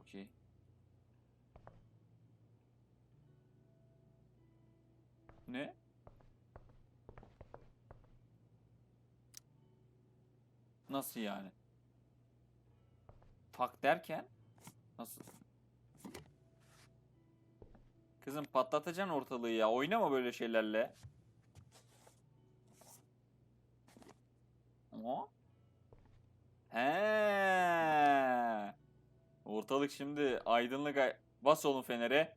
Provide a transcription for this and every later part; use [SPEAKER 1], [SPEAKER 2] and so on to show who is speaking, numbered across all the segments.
[SPEAKER 1] Okey. Ne? Nasıl yani? Fuck derken? Nasıl? Kızım patlatacaksın ortalığı ya. Oynama böyle şeylerle. O? He. Ortalık şimdi aydınlık. Bas oğlum fenere.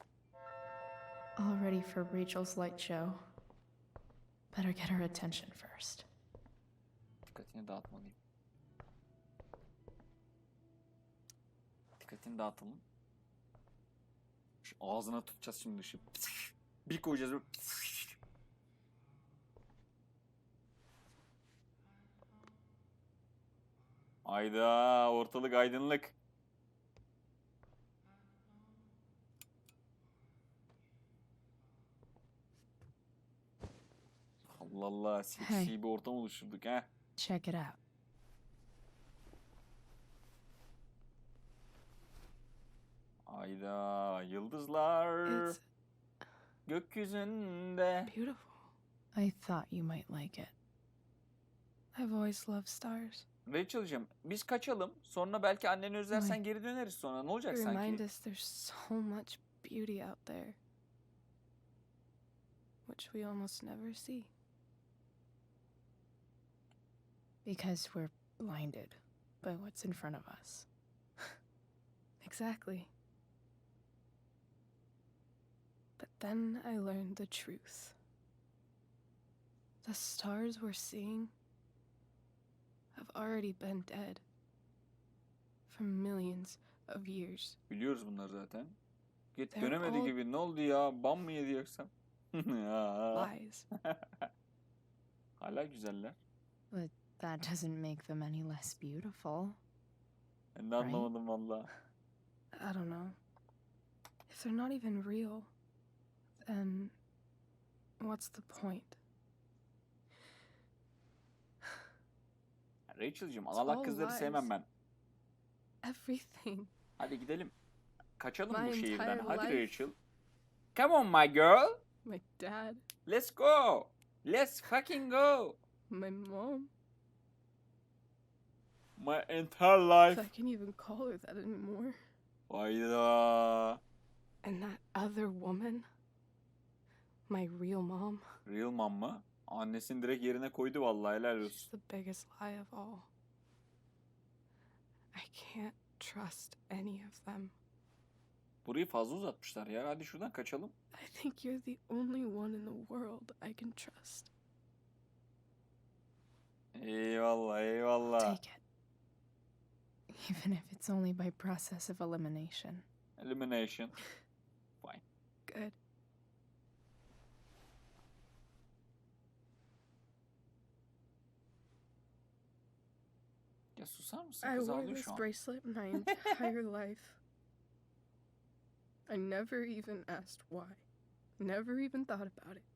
[SPEAKER 2] All ready for Rachel's light show. Better get her attention first.
[SPEAKER 1] Dikkatini dağıtmalıyım. Dikkatini dağıtalım. Şu ağzına tutacağız şimdi ışığı. Bir koyacağız böyle. Ayda ortalık aydınlık. Allah Allah, seksi
[SPEAKER 2] Hey.
[SPEAKER 1] bir ortam oluşturduk ha.
[SPEAKER 2] Check it out.
[SPEAKER 1] Ayda yıldızlar
[SPEAKER 2] It's
[SPEAKER 1] gökyüzünde.
[SPEAKER 2] beautiful. I thought you might like it. I've always loved stars.
[SPEAKER 1] Rachel'cığım biz kaçalım. Sonra belki anneni özlersen
[SPEAKER 2] Vay.
[SPEAKER 1] geri döneriz sonra. Ne olacak
[SPEAKER 2] They remind
[SPEAKER 1] sanki?
[SPEAKER 2] us there's so much beauty out there, which we almost never see. Because we're blinded by what's in front of us. Exactly. But then I learned the truth. The stars we're seeing have already been dead for millions of years.
[SPEAKER 1] Biliyoruz bunları zaten. Git
[SPEAKER 2] They're
[SPEAKER 1] dönemedi
[SPEAKER 2] all
[SPEAKER 1] gibi. Ne oldu ya? Bam mı yedi yoksa?
[SPEAKER 2] lies.
[SPEAKER 1] Hala güzeller.
[SPEAKER 2] But that doesn't make them any less beautiful.
[SPEAKER 1] Ben de anlamadım valla.
[SPEAKER 2] I don't know. If they're not even real, then what's the point?
[SPEAKER 1] Rachel'cığım
[SPEAKER 2] It's
[SPEAKER 1] ağlak
[SPEAKER 2] all
[SPEAKER 1] kızları
[SPEAKER 2] lies.
[SPEAKER 1] sevmem ben.
[SPEAKER 2] Everything.
[SPEAKER 1] Hadi gidelim. Kaçalım
[SPEAKER 2] My
[SPEAKER 1] bu şehirden.
[SPEAKER 2] entire
[SPEAKER 1] Hadi
[SPEAKER 2] life.
[SPEAKER 1] Rachel. Come on my girl.
[SPEAKER 2] My dad,
[SPEAKER 1] Let's go. Let's fucking go.
[SPEAKER 2] my mom.
[SPEAKER 1] My entire
[SPEAKER 2] If
[SPEAKER 1] life.
[SPEAKER 2] I can't even call her that anymore.
[SPEAKER 1] Hayda.
[SPEAKER 2] And that other woman, my real mom,
[SPEAKER 1] Real mom mı? Annesini direkt yerine koydu vallahi, helal
[SPEAKER 2] she's
[SPEAKER 1] olsun.
[SPEAKER 2] the biggest lie of all. I can't trust any of them.
[SPEAKER 1] Burayı fazla uzatmışlar ya. Hadi şuradan kaçalım.
[SPEAKER 2] I think you're the only one in the world I can trust.
[SPEAKER 1] Eyvallah eyvallah.
[SPEAKER 2] Take it. Even if it's only by process of elimination.
[SPEAKER 1] Elimination. Fine.
[SPEAKER 2] Good.
[SPEAKER 1] Ya susar mısın?
[SPEAKER 2] I
[SPEAKER 1] Kız
[SPEAKER 2] wore
[SPEAKER 1] ağlıyor
[SPEAKER 2] this
[SPEAKER 1] şu an.
[SPEAKER 2] bracelet my entire life. I never even asked why. Never even thought about it.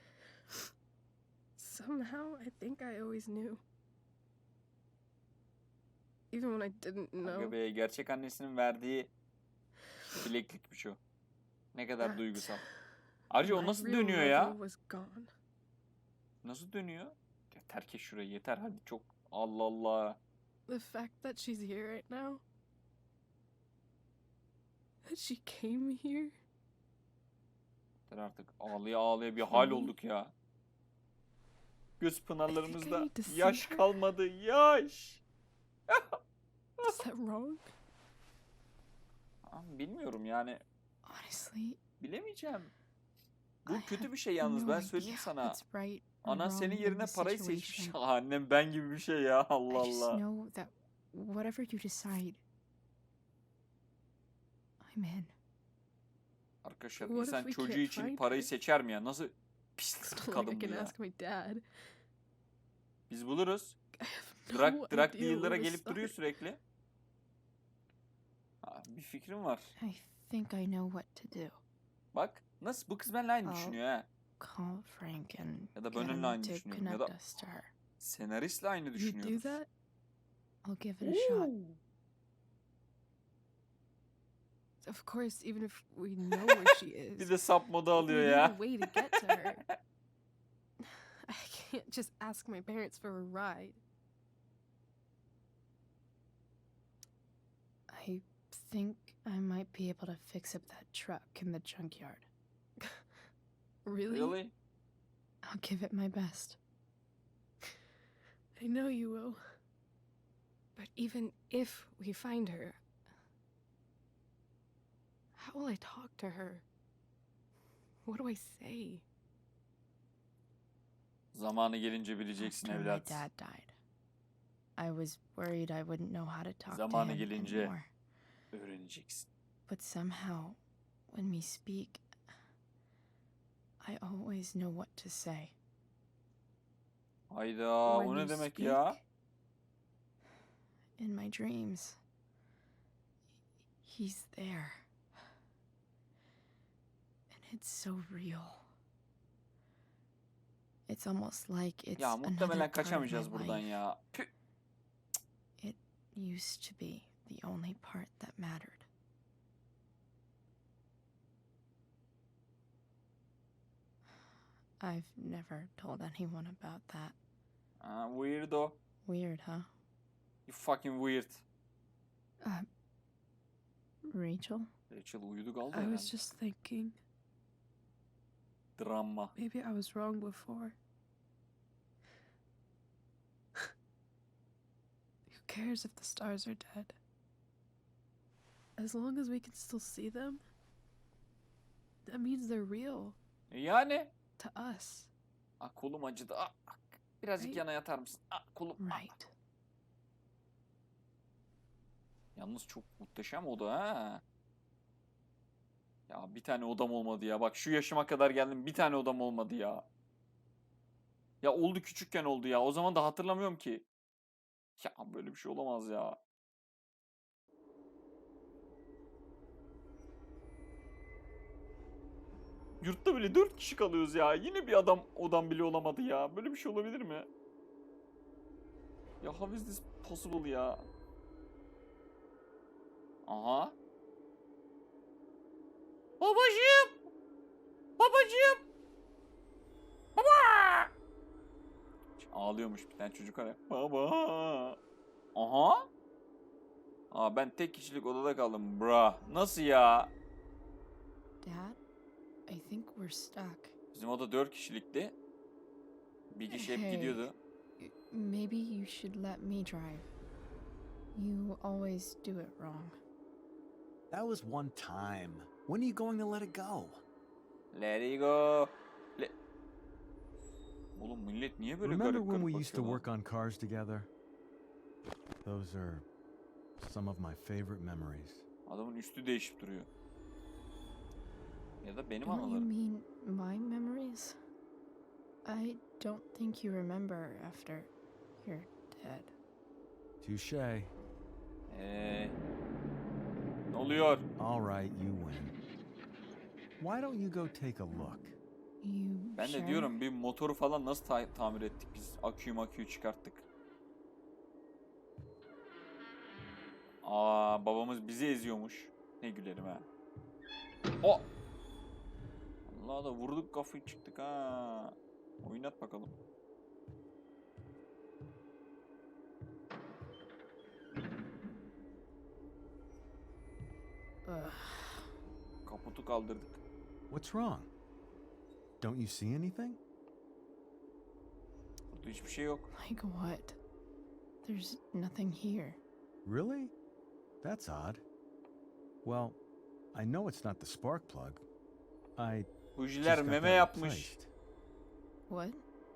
[SPEAKER 2] Somehow, I think I always knew. Even when I didn't
[SPEAKER 1] Aga
[SPEAKER 2] know.
[SPEAKER 1] be, gerçek annesinin verdiği bileklikmiş o. Ne kadar
[SPEAKER 2] That
[SPEAKER 1] duygusal. Ayrıca o
[SPEAKER 2] my
[SPEAKER 1] nasıl
[SPEAKER 2] real
[SPEAKER 1] dönüyor
[SPEAKER 2] mother
[SPEAKER 1] ya?
[SPEAKER 2] was gone.
[SPEAKER 1] Nasıl dönüyor? Yeter ki şurayı yeter hadi çok. Allah Allah.
[SPEAKER 2] The fact that she's here right now. That she came here.
[SPEAKER 1] Yeter artık, ağlaya ağlaya bir hal olduk ya. Göz pınarlarımızda
[SPEAKER 2] need to see
[SPEAKER 1] yaş
[SPEAKER 2] her.
[SPEAKER 1] kalmadı, yaş.
[SPEAKER 2] Is that wrong?
[SPEAKER 1] Bilmiyorum yani,
[SPEAKER 2] Honestly,
[SPEAKER 1] bilemeyeceğim.
[SPEAKER 2] I
[SPEAKER 1] Bu
[SPEAKER 2] have
[SPEAKER 1] kötü bir şey yalnız,
[SPEAKER 2] no
[SPEAKER 1] ben
[SPEAKER 2] idea
[SPEAKER 1] söyleyeyim sana.
[SPEAKER 2] what's right or
[SPEAKER 1] Anan
[SPEAKER 2] wrong
[SPEAKER 1] senin
[SPEAKER 2] in
[SPEAKER 1] yerine
[SPEAKER 2] this
[SPEAKER 1] parayı seçmiş.
[SPEAKER 2] situation.
[SPEAKER 1] Annem ben gibi bir şey ya, Allah
[SPEAKER 2] I just
[SPEAKER 1] Allah.
[SPEAKER 2] know that whatever you decide, I'm in.
[SPEAKER 1] Arkadaşlar
[SPEAKER 2] What if
[SPEAKER 1] insan
[SPEAKER 2] we
[SPEAKER 1] çocuğu
[SPEAKER 2] can't
[SPEAKER 1] için
[SPEAKER 2] find
[SPEAKER 1] parayı
[SPEAKER 2] her?
[SPEAKER 1] seçer mi ya? Nasıl
[SPEAKER 2] It's
[SPEAKER 1] pislik
[SPEAKER 2] not
[SPEAKER 1] bir
[SPEAKER 2] like I
[SPEAKER 1] kadın bu
[SPEAKER 2] can
[SPEAKER 1] ya.
[SPEAKER 2] ask my dad.
[SPEAKER 1] Biz buluruz.
[SPEAKER 2] I have no
[SPEAKER 1] Drug
[SPEAKER 2] idea
[SPEAKER 1] dealer'a
[SPEAKER 2] where to
[SPEAKER 1] gelip duruyor
[SPEAKER 2] start.
[SPEAKER 1] sürekli. Bir fikrim var.
[SPEAKER 2] I think I know what to do.
[SPEAKER 1] Bak nasıl, bu kız benimle aynı
[SPEAKER 2] Al.
[SPEAKER 1] düşünüyor ha.
[SPEAKER 2] Call Frank and
[SPEAKER 1] Ya da
[SPEAKER 2] get
[SPEAKER 1] benimle
[SPEAKER 2] him
[SPEAKER 1] aynı
[SPEAKER 2] to
[SPEAKER 1] düşünüyorum. Ya
[SPEAKER 2] connect
[SPEAKER 1] da
[SPEAKER 2] us to her.
[SPEAKER 1] senaristle aynı
[SPEAKER 2] You do
[SPEAKER 1] düşünüyoruz.
[SPEAKER 2] that? I'll give it a shot. Of course, even if we know where she is,
[SPEAKER 1] Bir de sap modu
[SPEAKER 2] we
[SPEAKER 1] alıyor
[SPEAKER 2] need
[SPEAKER 1] ya.
[SPEAKER 2] a way to get to her. I can't just ask my parents for a ride. I think I might be able to fix up that truck in the junkyard. Really?
[SPEAKER 1] Really?
[SPEAKER 2] I'll give it my best. I know you will. But even if we find her, how will I talk to her? What do I say?
[SPEAKER 1] Zamanı gelince bileceksin
[SPEAKER 3] After my
[SPEAKER 1] evlat.
[SPEAKER 3] dad died, I was worried I wouldn't know how to talk to
[SPEAKER 1] Zamanı
[SPEAKER 3] him
[SPEAKER 1] gelince
[SPEAKER 3] anymore.
[SPEAKER 1] öğreneceksin.
[SPEAKER 3] But somehow, when we speak, I always know what to say.
[SPEAKER 1] Hayda,
[SPEAKER 2] When
[SPEAKER 1] o ne
[SPEAKER 2] you
[SPEAKER 1] demek
[SPEAKER 2] speak?
[SPEAKER 1] ya?
[SPEAKER 3] In my dreams, he's there. And it's so real. It's almost like it's
[SPEAKER 1] Ya
[SPEAKER 3] another
[SPEAKER 1] muhtemelen
[SPEAKER 3] part of my
[SPEAKER 1] kaçamayacağız buradan
[SPEAKER 3] life.
[SPEAKER 1] ya. Püh.
[SPEAKER 3] It used to be the only part that mattered. I've never told anyone about that.
[SPEAKER 1] Weirdo.
[SPEAKER 3] Weird, huh?
[SPEAKER 1] You fucking weird.
[SPEAKER 2] Rachel?
[SPEAKER 1] Rachel uyudu kaldı
[SPEAKER 2] I
[SPEAKER 1] herhalde.
[SPEAKER 2] was just thinking,
[SPEAKER 1] Drama.
[SPEAKER 2] maybe I was wrong before. Who cares if the stars are dead? As long as we can still see them, that means they're real
[SPEAKER 1] Yani.
[SPEAKER 2] to us,
[SPEAKER 1] Kolum acıdı. Birazcık
[SPEAKER 2] Right.
[SPEAKER 1] yana yatar mısın? Kolum.
[SPEAKER 2] right?
[SPEAKER 1] Yalnız çok muhteşem oda ha. Ya bir tane odam olmadı ya. Bak şu yaşıma kadar geldim, bir tane odam olmadı ya. Ya oldu, küçükken oldu ya. O zaman da hatırlamıyorum ki. Ya böyle bir şey olamaz ya. Yurtta bile 4 kişi kalıyoruz ya. Yine bir odam bile olamadı ya. Böyle bir şey olabilir mi? Ya how is this possible ya? Aha. Babacığım. Babacığım. Baba. Ağlıyormuş bir tane çocuk ara. Baba. Aha. Ben tek kişilik odada kaldım. Bra. Nasıl ya?
[SPEAKER 3] Dad, I think we're stuck.
[SPEAKER 1] Bizim oda 4 kişilikti. Bir kişi hep
[SPEAKER 3] Hey.
[SPEAKER 1] gidiyordu.
[SPEAKER 3] Maybe you should let me drive. You always do it wrong.
[SPEAKER 4] That was one time. When are you going to let it go?
[SPEAKER 1] Let it go. Oğlum millet niye böyle
[SPEAKER 4] Remember
[SPEAKER 1] garip
[SPEAKER 4] when
[SPEAKER 1] garip
[SPEAKER 4] we used to
[SPEAKER 1] bakıyor lan?
[SPEAKER 4] work on cars together? Those are some of my favorite memories.
[SPEAKER 1] Adamın üstü değişip duruyor. Ya da benim
[SPEAKER 3] Don't you
[SPEAKER 1] anılarım.
[SPEAKER 3] mean my memories? I don't think you remember after you're dead.
[SPEAKER 4] Touche.
[SPEAKER 1] Ne oluyor?
[SPEAKER 4] All right, you win. Why don't you go take a look?
[SPEAKER 3] You
[SPEAKER 1] Ben
[SPEAKER 3] sure?
[SPEAKER 1] de diyorum bir motoru falan nasıl tamir ettik biz? Aküyü çıkarttık. Babamız bizi eziyormuş. Ne gülerim ha. Allah da vurduk kafayı çıktık ha. Oynat bakalım.
[SPEAKER 3] Ugh.
[SPEAKER 1] Kaputu kaldırdık.
[SPEAKER 4] What's wrong? Don't you see anything?
[SPEAKER 1] Burada hiçbir şey yok.
[SPEAKER 3] Like what? There's nothing here.
[SPEAKER 4] Really? That's odd. Well, I know it's not the spark plug. I
[SPEAKER 1] Bujiler
[SPEAKER 4] just got
[SPEAKER 1] meme
[SPEAKER 4] that
[SPEAKER 1] yapmış.
[SPEAKER 4] replaced.
[SPEAKER 3] What?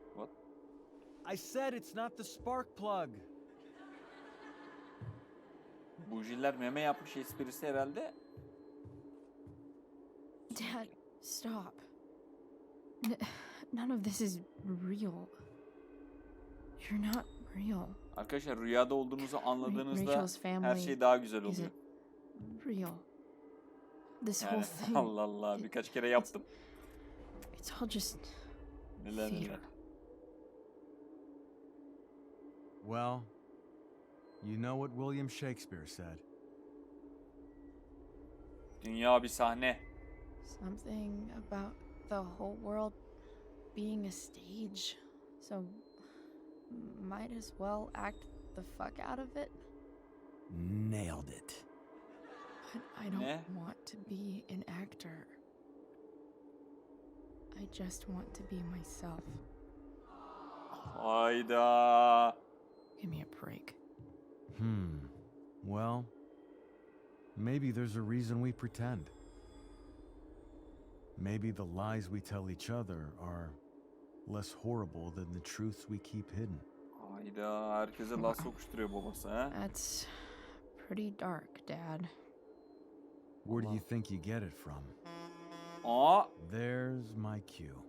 [SPEAKER 4] I said it's not the spark plug.
[SPEAKER 1] Bujiler meme yapmış esprisi herhalde.
[SPEAKER 3] Dad, stop. None of this is real. You're not real.
[SPEAKER 1] Arkadaşlar rüyada olduğunuzu anladığınızda
[SPEAKER 3] Rachel's
[SPEAKER 1] her
[SPEAKER 3] family
[SPEAKER 1] şey daha güzel oluyor.
[SPEAKER 3] isn't real. This
[SPEAKER 1] Yani,
[SPEAKER 3] whole thing.
[SPEAKER 1] Allah Allah birkaç kere yaptım.
[SPEAKER 3] It's all just
[SPEAKER 1] Neler neler.
[SPEAKER 3] fear.
[SPEAKER 4] Well, you know what William Shakespeare said.
[SPEAKER 1] Dünya bir sahne.
[SPEAKER 3] Something about the whole world being a stage. So might as well act the fuck out of it.
[SPEAKER 4] Nailed it.
[SPEAKER 3] But I don't
[SPEAKER 1] Ne?
[SPEAKER 3] want to be an actor. I just want to be myself.
[SPEAKER 1] Hayda.
[SPEAKER 3] Give me a break.
[SPEAKER 4] Well, maybe there's a reason we pretend. Maybe the lies we tell each other are less horrible than the truths we keep hidden.
[SPEAKER 1] Hayda. Herkese laf sokuşturuyor babası ha.
[SPEAKER 3] That's pretty dark, Dad.
[SPEAKER 4] Where do you think you get it from?
[SPEAKER 1] Aa.
[SPEAKER 4] There's my cue.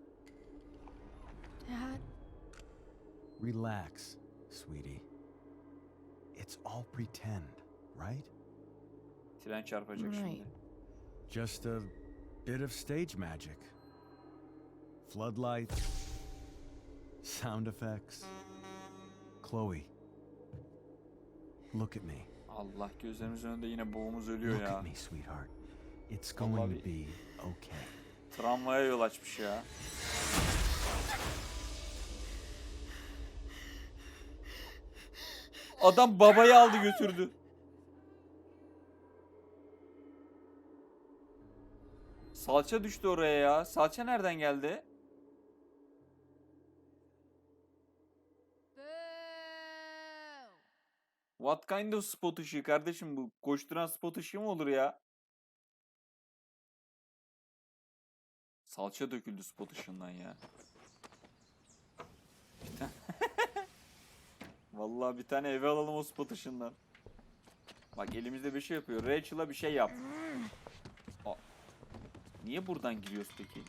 [SPEAKER 3] Dad?
[SPEAKER 4] Relax, sweetie. It's all pretend, right?
[SPEAKER 1] Tren çarpacak
[SPEAKER 3] Right.
[SPEAKER 1] şimdi.
[SPEAKER 4] Just a bit of stage magic. Floodlights, sound effects. Chloe, look at me.
[SPEAKER 1] Allah, gözlerimizin önünde yine boğumuz ölüyor
[SPEAKER 4] Look
[SPEAKER 1] ya.
[SPEAKER 4] at me, sweetheart. It's
[SPEAKER 1] Vallahi
[SPEAKER 4] going to
[SPEAKER 1] bir-
[SPEAKER 4] be okay.
[SPEAKER 1] Travmaya yol açmış ya. Adam babayı aldı götürdü. Salça düştü oraya ya. Salça nereden geldi? What kind of spot ışığı kardeşim bu? Koşturan spot ışığı mı olur ya? Salça döküldü spot ışığından ya. Bir tane... Vallahi bir tane eve alalım o spot ışığından. Bak elimizde bir şey yapıyor. Rachel'a bir şey yap. Aa, niye buradan giriyoruz peki?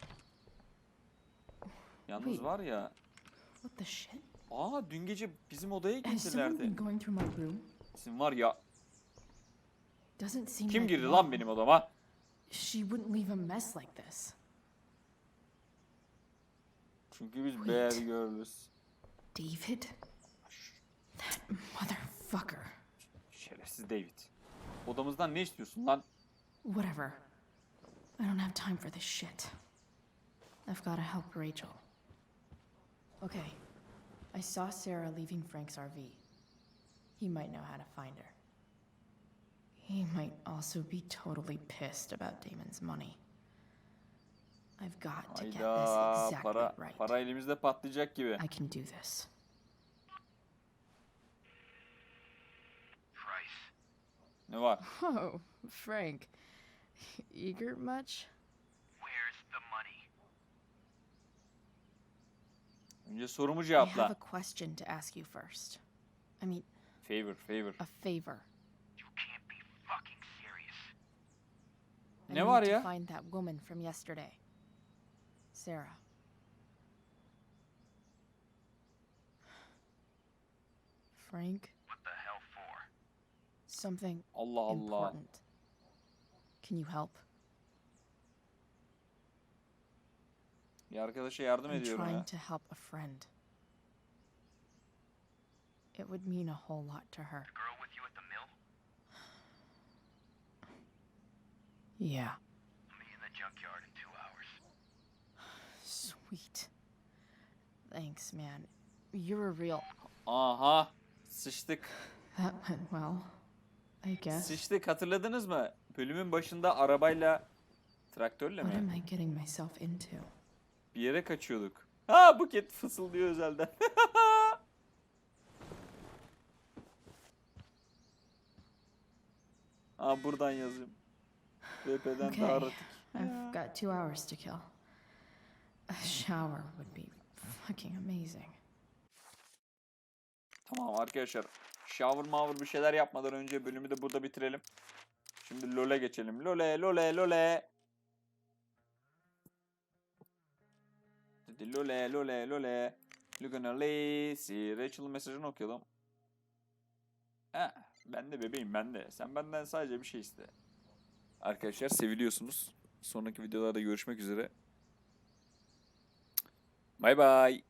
[SPEAKER 1] Yalnız
[SPEAKER 3] Wait.
[SPEAKER 1] var ya.
[SPEAKER 3] What the shit?
[SPEAKER 1] Aa, dün gece bizim odaya
[SPEAKER 3] Has someone been
[SPEAKER 1] girdilerdi.
[SPEAKER 3] going through my room?
[SPEAKER 1] Bizim var ya.
[SPEAKER 3] Doesn't seem
[SPEAKER 1] Kim
[SPEAKER 3] like
[SPEAKER 1] girdi lan
[SPEAKER 3] Mom.
[SPEAKER 1] benim odama?
[SPEAKER 3] She wouldn't leave a mess like this.
[SPEAKER 1] Çünkü biz
[SPEAKER 3] Wait.
[SPEAKER 1] bad girls.
[SPEAKER 3] David? That motherfucker.
[SPEAKER 1] Şerefsiz David. Odamızdan ne istiyorsun lan?
[SPEAKER 3] Whatever. I don't have time for this shit. I've got to help Rachel. Okay. I saw Sarah leaving Frank's RV. He might know how to find her. He might also be totally pissed about Damon's money. I've got to get this
[SPEAKER 1] Hayda,
[SPEAKER 3] exactly right.
[SPEAKER 1] para elimizde patlayacak gibi.
[SPEAKER 3] I can do this.
[SPEAKER 1] Ne var?
[SPEAKER 3] Oh, Frank. Eager much?
[SPEAKER 5] Where's the money?
[SPEAKER 1] Önce sorumu
[SPEAKER 3] I have
[SPEAKER 1] cevapla.
[SPEAKER 3] a question to ask you first. I mean,
[SPEAKER 1] Favor.
[SPEAKER 3] a favor.
[SPEAKER 5] You can't be fucking serious.
[SPEAKER 3] I
[SPEAKER 1] Ne var
[SPEAKER 3] need
[SPEAKER 1] ya?
[SPEAKER 3] to find that woman from yesterday. Sarah. Frank,
[SPEAKER 5] What the hell for?
[SPEAKER 3] something
[SPEAKER 1] Allah Allah.
[SPEAKER 3] important. Can you help?
[SPEAKER 1] Bir arkadaşa yardım
[SPEAKER 3] I'm
[SPEAKER 1] ediyorum
[SPEAKER 3] trying
[SPEAKER 1] ya.
[SPEAKER 3] to help a friend. It would mean a whole lot to her.
[SPEAKER 5] The girl with you at the mill?
[SPEAKER 3] Yeah.
[SPEAKER 5] I'll meet you in the junkyard in 2 hours.
[SPEAKER 3] Sweet. Thanks, man. You're a real.
[SPEAKER 1] Aha. Sıçtık.
[SPEAKER 3] That went well. I guess.
[SPEAKER 1] Sıçtık, hatırladınız mı? Bölümün başında arabayla, traktörle
[SPEAKER 3] What am
[SPEAKER 1] mi?
[SPEAKER 3] I getting myself into?
[SPEAKER 1] Bir yere kaçıyorduk. Ha, Buket fısıldıyor özelden. Aa, buradan yazayım. BP'den
[SPEAKER 3] Okay.
[SPEAKER 1] daha rahat.
[SPEAKER 3] I've got 2 hours to kill. A shower would be fucking amazing.
[SPEAKER 1] Tamam arkadaşlar. Shower bir şeyler yapmadan önce bölümü de burada bitirelim. Şimdi LoL'e geçelim. LoL'e. Hadi LoL'e. Lugana Lacy. Rachel'ın mesajını okuyalım. Ben de bebeğim, ben de. Sen benden sadece bir şey iste. Arkadaşlar seviliyorsunuz. Sonraki videolarda görüşmek üzere. Bay bay.